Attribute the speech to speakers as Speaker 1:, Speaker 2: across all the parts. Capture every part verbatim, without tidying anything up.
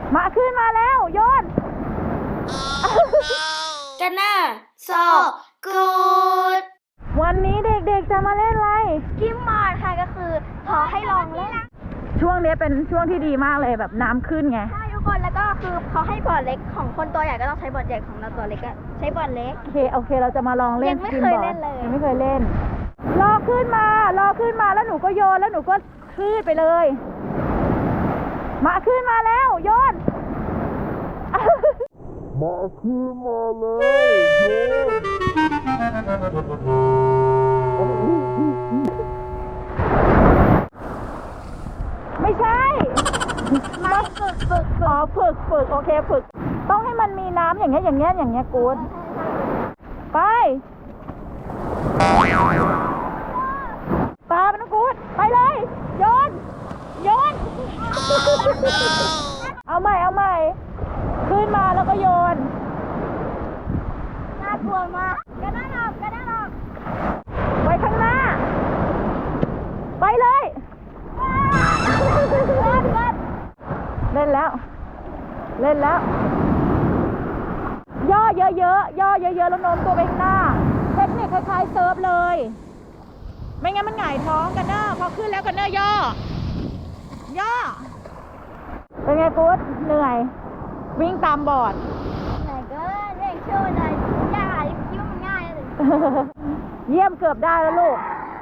Speaker 1: มาขึ้นมาแล้วโยน
Speaker 2: กันนะโซกูด
Speaker 1: วันนี้เด็กๆจะมาเล่นอะไร
Speaker 2: กิมมอดค่ะก็คือขอให้ลองเล่น
Speaker 1: ช่วงนี้เป็นช่วงที่ดีมากเลยแบบน้ำขึ้นไง
Speaker 2: ใช่ทุกคนแล้วก็คือเขาให้บอร์ดเล็กของคนตัวใหญ่ก็ต้องใช้บอร์ดใหญ่ของเราตัวเล็กก็ใช้บอร์ดเล็ก
Speaker 1: โอเคโอเคเราจะมาลองเล่น
Speaker 2: ยังไม่เคยเล่นเลย
Speaker 1: ยังไม่เคยเล่นรอขึ้นมารอขึ้นมาแล้วหนูก็โยนแล้วหนูก็คลื่นไปเลยมาขึ้นมาแล้วโยน
Speaker 3: มาขึ้นมาเลย
Speaker 1: ไม่ใช่
Speaker 2: มาฝึกฝึก
Speaker 1: อ๋อฝึกฝึกโอเคฝึกต้องให้มันมีน้ำอย่างเงี้ยอย่างเงี้ยอย่างเงี้ยกูดไปปลาเป็นกูดไปเลยโยนโยนเอาใหม่เอาใหม่ขึ้นมาแล้วก็โยน
Speaker 2: น่ากลัวมากกระด้างออกกระด้างออก
Speaker 1: ไปข้างหน้าไปเลยเล่นแล้วเล่นแล้วย่อเยอะๆย่อเยอะๆแล้วโน้มตัวไปข้างหน้าเทคนิคคล้ายๆเซิร์ฟเลยไม่งั้นมันหงายท้องกันเนอะพอขึ้นแล้วกันเนอะย่อย่อเป็นไงกู๊ดเหนื่อยวิ่งตามบอร์ด
Speaker 2: ไหนก็เร่งโชว์หน่อยยากคิดว่ามันง่ายเลย
Speaker 1: เยี่ยมเกือบได้แล้วลูก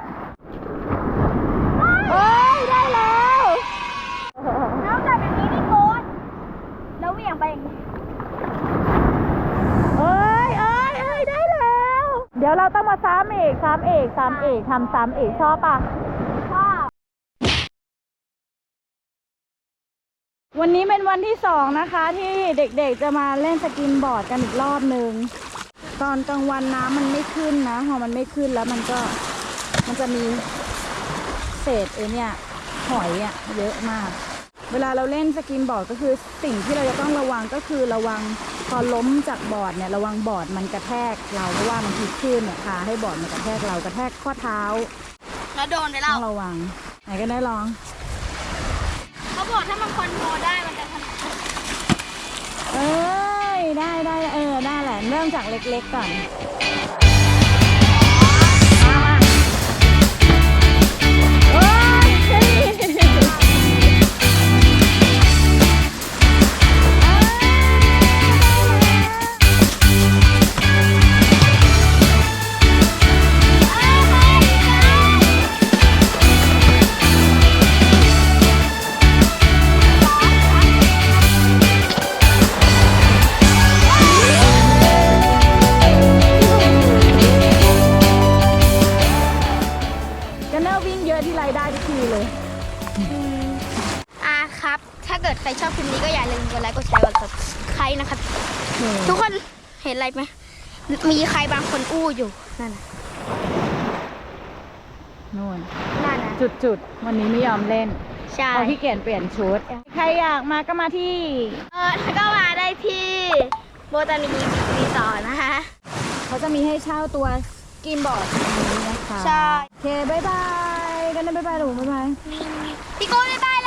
Speaker 1: เอ้ยได้แล้ว
Speaker 2: น้องจับแบบนี้นี่โค้ดแล้วเหวี่ยงไปอย่างนี้
Speaker 1: เอ้ยเอ้ยเอ้ยได้แล้วเดี๋ยวเราต้องมาซ้ำอีกซ้ำอีกซ้ำอีกทำซ้ำอีกชอบปะ
Speaker 2: ชอบ
Speaker 1: วันนี้เป็นวันที่สองนะคะที่เด็กๆจะมาเล่นสกินบอร์ดกันอีกรอบหนึ่งตอนกลางวันน้ำมันไม่ขึ้นนะพอมันไม่ขึ้นแล้วมันก็มันจะมีเศษเอเนี่ยหอยอ่ะเยอะมากเวลาเราเล่นสกินบอร์ดก็คือสิ่งที่เราจะต้องระวังก็คือระวังพอล้มจากบอร์ดเนี่ยระวังบอร์ดมันกระแทกเราเพราะว่ามันพลิกขึ้นเนี่ยพาให้บอร์ดมันกระแทกเรากระแทกข้อเท้า
Speaker 2: แล้วโดนได้แล้ว
Speaker 1: ต้องระวังไหนก็ได้ลอง
Speaker 2: เขาบอกถ้ามันคอนโทรลได้มันจะถนัด
Speaker 1: เอ้ยได้ได้เออได้แหละเริ่มจากเล็กๆก่อน
Speaker 2: อ่ะครับถ้าเกิดใครชอบคลิปนี้ก็อย่าลืมกดไลค์กดแชร์กด ซับสไครบ์ นะครับทุกคนเห็นอะไรไหมมีใครบางคนอู้อยู่นั่นน่ะ
Speaker 1: นู่น
Speaker 2: นั่นน่ะ
Speaker 1: จุดจุดวันนี้ไม่ยอมเล่น
Speaker 2: ใช่
Speaker 1: พอพี่เกียนเปลี่ยนชุดใครอยากมาก็มาที่
Speaker 2: เออก็มาได้ที่โบตานีรีสอร์ทนะคะ
Speaker 1: เขาจะมีให้เช่าตัวกินบอร์ดนี้นะคะ
Speaker 2: ใช่
Speaker 1: โอเคบายบายกันนะบายบายหนูบายบาย
Speaker 2: พี่โก้บ๊ายบาย